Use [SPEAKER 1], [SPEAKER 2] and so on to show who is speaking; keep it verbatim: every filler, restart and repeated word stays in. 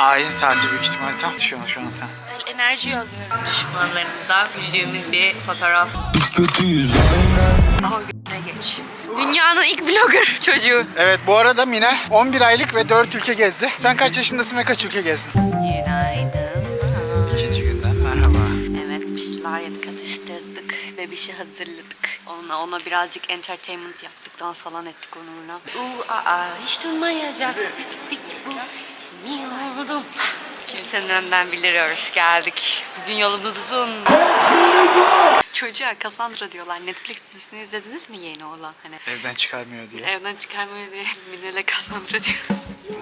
[SPEAKER 1] Ayin saati büyük ihtimal tam. Şu an, şu an sen.
[SPEAKER 2] Enerji alıyorum. Düşmanlarımıza güldüğümüz bir fotoğraf.
[SPEAKER 3] Biz kötüyüz aynen.
[SPEAKER 2] Daha güne geç. Dünyanın ilk vlogger çocuğu.
[SPEAKER 1] Evet, bu arada Mine on bir aylık ve dört ülke gezdi. Sen kaç yaşındasın ve kaç ülke gezdin?
[SPEAKER 2] Günaydın.
[SPEAKER 1] İkinci günden merhaba.
[SPEAKER 2] Evet, bir şeyler yedik, atıştırdık. Bebişi hazırladık. Ona, ona birazcık entertainment yaptık. Dans falan ettik onunla. Uuu aa hiç durmayacak. Pek bu. Bilmiyorum. Kimsenin önden biliriyoruz. Geldik. Bugün yolumuz uzun. Çocuğa Cassandra diyorlar. Netflix dizisini izlediniz mi, yeni olan? Hani
[SPEAKER 1] Evden çıkarmıyor diye.
[SPEAKER 2] evden çıkarmıyor diye Minel'e Cassandra diyor.